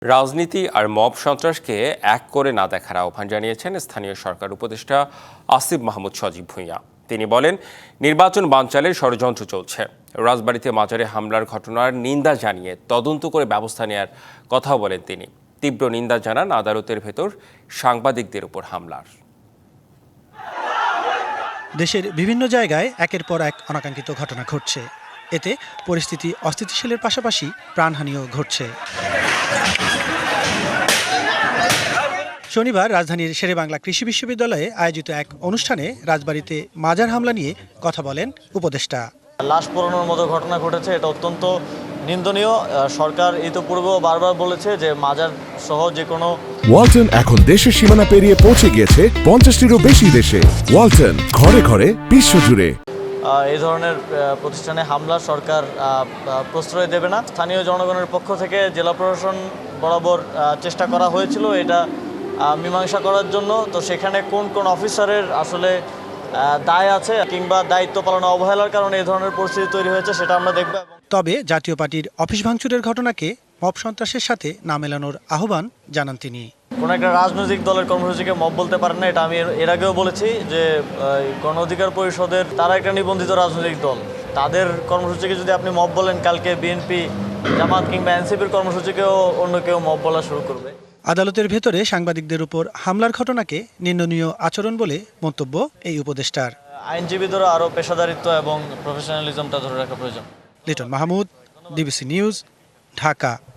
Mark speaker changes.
Speaker 1: রাজনীতি আর মব সন্ত্রাসকে এক করে না দেখার আহ্বান জানিয়েছেন স্থানীয় সরকার উপদেষ্টা আসিফ মাহমুদ সজীব ভূঁইয়া। তিনি বলেন, নির্বাচন বানচালের ষড়যন্ত্র চলছে। রাজবাড়ীতে মাজারে হামলার ঘটনার নিন্দা জানিয়ে তদন্ত করে ব্যবস্থা নেওয়ার কথাও বলেন তিনি। তীব্র নিন্দা জানান আদালতের ভেতর সাংবাদিকদের উপর হামলার।
Speaker 2: দেশের বিভিন্ন জায়গায় একের পর এক অনাকাঙ্ক্ষিত ঘটনা ঘটছে। এতে পরিস্থিতি অস্থিতিশীলের পাশাপাশি প্রাণহানিও ঘটছে। শনিবার রাজধানীর শেরেবাংলা কৃষি বিশ্ববিদ্যালয়ে আয়োজিত এক অনুষ্ঠানে রাজবাড়ীতে মাজার হামলা নিয়ে কথা বলেন উপদেষ্টা।
Speaker 3: লাশ পোড়ানোর মতো ঘটনা ঘটেছে, এটা অত্যন্ত নিন্দনীয়। সরকার ইতিপূর্বেও বারবার বলেছে যে মাজার সহ যে কোনো
Speaker 4: ওয়ালটন এখন দেশের সীমানা পেরিয়ে পৌঁছে গিয়েছে 50টিরও বেশি দেশে। ওয়ালটন, ঘরে ঘরে বিশ্বজুড়ে।
Speaker 3: এই ধরনের প্রতিষ্ঠানে হামলা সরকার প্রশ্রয় দেবে না। স্থানীয় জনগণের পক্ষ থেকে জেলা প্রশাসন বরাবর চেষ্টা করা হয়েছিল এটা মীমাংসা করার জন্য। তো সেখানে কোন কোন অফিসারের আসলে দায় আছে কিংবা দায়িত্ব পালনে অবহেলার কারণে এই ধরনের পরিস্থিতি তৈরি হয়েছে সেটা আমরা দেখব।
Speaker 2: তবে জাতীয় পার্টির অফিস ভাঙচুরের ঘটনাকে মব সন্ত্রাসের সাথে না মেলানোর আহ্বান জানান তিনি।
Speaker 3: কোনো একটা রাজনৈতিক দলের কর্মসূচিকে মব বলতে পারেন না, এটা আমি এর আগেও বলেছি যে গণ অধিকার পরিষদের তারা একটা নিবন্ধিত রাজনৈতিক দল। তাদের কর্মসূচিকে যদি আপনি মব বলেন, কালকে বিএনপি, জামাত কিংবা এনসিপির কর্মসূচিকেও অন্য কেউ মব বলা শুরু করবে।
Speaker 2: আদালতের ভেতরে সাংবাদিকদের উপর হামলার ঘটনাকে নিন্দনীয় আচরণ বলে মন্তব্য এই উপদেষ্টার।
Speaker 3: আইনজীবীদেরও আরও পেশাদারিত্ব এবং প্রফেশনালিজমটা ধরে রাখা প্রয়োজন।
Speaker 2: Liton Mahmud, DBC news, Dhaka.